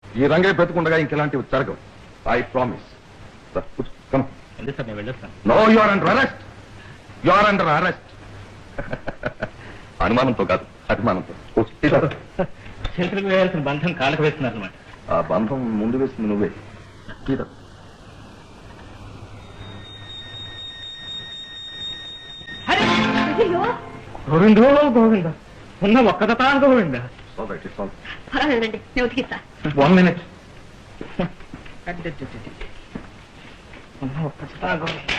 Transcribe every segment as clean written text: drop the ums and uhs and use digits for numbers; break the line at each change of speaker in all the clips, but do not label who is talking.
ఈ రంగే బ్రతుకుండగా ఇంకెలాంటివి జరగవు. I promise.
ఎందుకు సార్ నేను వెళ్ళొస్తాను.
No, you are under arrest. You are under arrest. అనుమానంతో కాదు, అభిమానంతో.
చేతులకు వేయాల్సిన బంధం కాళ్ళకు వేస్తున్నారు అనమాట.
ఆ బంధం ముందు వేసింది నువ్వే.
గోవిందో గోవింద, ఉన్న ఒక్కదతా గోవింద.
పర్వాలేదండి, నేను ఉతికిస్తా.
1 minute. ఉన్న ఒక్కదతా గోవింద.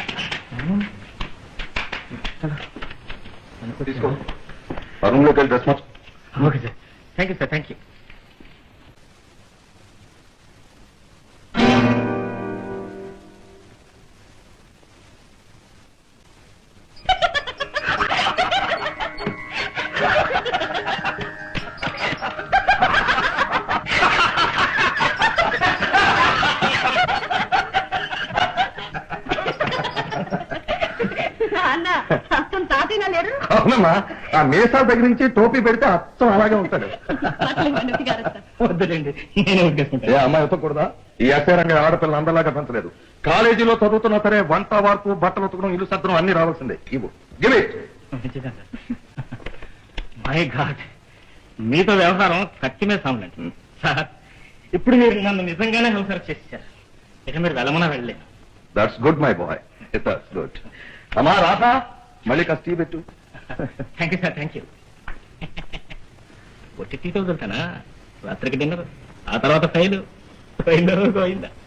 తీసుకో, రూమ్లోకి వెళ్ళి డ్రెస్ మార్చు.
Okay sir, thank you sir, thank you.
అవునమ్మా, ఆ మీసాల దగ్గర నుంచి టోపీ పెడితే అచ్చం అలాగే ఉంటాడు.
వద్దులేండి, నేనే ఉద్దేశించాను.
ఏ అమ్మాయి ఉతకూడదా? ఈ ఎస్ఐ రంగ ఆడపిల్లలు అందరిలాగా పెంచలేదు. కాలేజీలో చదువుతున్నా సరే వంట వార్పు, బట్టలు ఉతకడం, ఇల్లు సర్దడం అన్ని రావాల్సిందే. ఇవ్వు, గివ్ ఇట్.
మై గాడ్, మీతో వ్యవహారం కత్తి మీద సాములండి సార్. ఇప్పుడు మీరు నన్ను నిజంగానే హౌసర్ చేశారు. ఇక మీరు వెళ్ళమన్నా వెళ్ళలేదు.
That's good my boy, that's good. అమ్మా రాధా, మళ్ళీ కాస్త టీ పెట్టు.
Thank you sir, thank you. వచ్చి టీతో వదులుతానా? రాత్రికి డిన్నర్, ఆ తర్వాత ఫైలు.